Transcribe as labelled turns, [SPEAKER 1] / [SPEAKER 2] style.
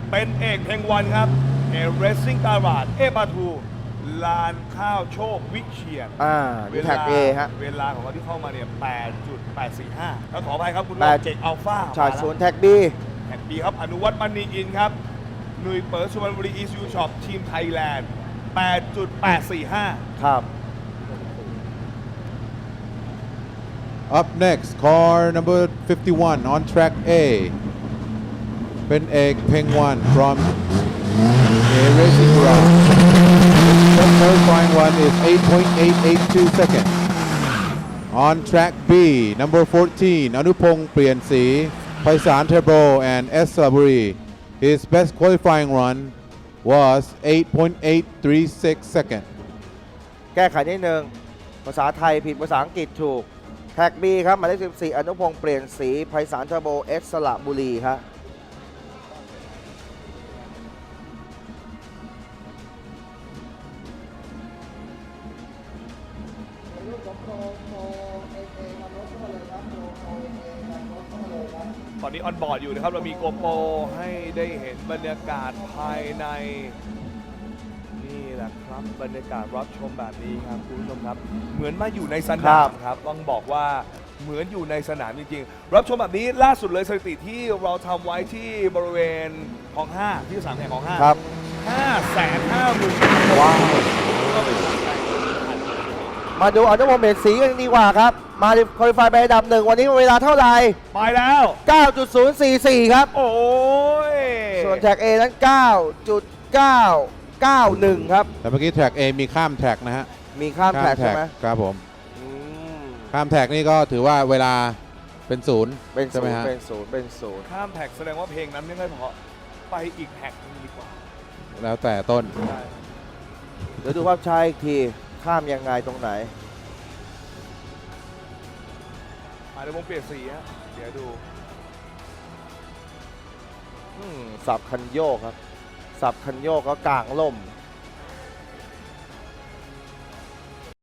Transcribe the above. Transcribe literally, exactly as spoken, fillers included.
[SPEAKER 1] เป็นเอกเพลงวันครับเอเรสซิ่งตาบาดเอปาทูลานข้าวโชควิเชียร
[SPEAKER 2] อ่าดูแท็ก A ฮะ
[SPEAKER 1] เวลาของเขาที่เข้ามาเนี่ย แปดจุดแปดสี่ห้า แล้วขออภัยครับคุณ
[SPEAKER 2] แปด
[SPEAKER 1] เจกอัลฟา
[SPEAKER 2] ชาร์จศูนย์แท็ก B
[SPEAKER 1] แท็กบีครับอนุวัฒน์มณีอินครับหนุ่ยเปิดสุวรรณบุรีอีซูช็อปทีมไทยแลนด์ แปดจุดแปดสี่ห้า
[SPEAKER 2] ครับ
[SPEAKER 3] Up next, car number fifty-one on track A. เป็นเอกเพงวัน from A Racing Ground. The qualifying one is eight point eight eight two seconds. On track B, number fourteen, อนุพงษ์เปลี่ยนสี ไพศาลเทอร์โบ and S. Laburi. His best qualifying run was eight point eight three six seconds.
[SPEAKER 2] แก้ไขนิดนึงภาษาไทยผิดภาษาอังกฤษถูกแท็ก B ครับหมายเลขสิบสี่อนุพงษ์เปลี่ยนสีไพศาลเทอร์โบ S สระบุรีครับ
[SPEAKER 1] ตอนนี้ออนบอร์ดอยู่นะครับ เรามีโกโปรให้ได้เห็นบรรยากาศภายใน นี่แหละครับบรรยากาศรับชมแบบนี้ครับคุณผู้ชมครับ เหมือนมาอยู่ในสนามครับต้องบอกว่าเหมือนอยู่ในสนามจริงๆ รับชมแบบนี้ล่าสุดเลยสถิติที่เราทำไว้ที่บริเวณของห้าที่สามแห่งของห้า
[SPEAKER 2] ครับ
[SPEAKER 1] ห้าแสนห้าหมื่น
[SPEAKER 2] ว้าว
[SPEAKER 1] ก็เป็นการแข่งขัน
[SPEAKER 2] มาดูอนุพงษ์เปลี่ยนสีกันดีกว่าครับมาคอลิฟายไปอันดับหนึ่งวันนี้เวลาเท่าไหร่
[SPEAKER 1] ไปแล้ว
[SPEAKER 2] เก้าจุดศูนย์สี่สี่ ครับ
[SPEAKER 1] โอ้ย
[SPEAKER 2] ส่วนแท็ก A นั้น เก้าจุดเก้าเก้าหนึ่ง ครับ
[SPEAKER 3] แต่เมื่อกี้แท็ก A มีข้ามแท็กนะฮะ
[SPEAKER 2] มีข้ามแท็กใช่ไหม
[SPEAKER 3] ครับผม
[SPEAKER 2] อืม
[SPEAKER 3] ข้ามแท็กนี่ก็ถือว่าเวลาเป็นศูนย์
[SPEAKER 2] เป็น
[SPEAKER 3] ใช่
[SPEAKER 2] ศู
[SPEAKER 3] ไหม
[SPEAKER 2] นย์
[SPEAKER 3] ฮะ
[SPEAKER 2] เป็นศูนย์เป็นศูนย์
[SPEAKER 1] ข้ามแท็กแสดงว่าเพลงนั้นไม่ค่อยเพราะไปอีกแท็กนึงดีกว่า
[SPEAKER 3] แล้วแต่ต้น
[SPEAKER 1] ได้
[SPEAKER 2] เดี๋ยวดูภาพช้าอีกทีข้ามยังไงตรงไหน
[SPEAKER 1] อาจจะวงเปลี่ยนสีฮะเดี๋ยวดู
[SPEAKER 2] อืมสับคันโยกครับ สับคันโยกก็กลางล่ม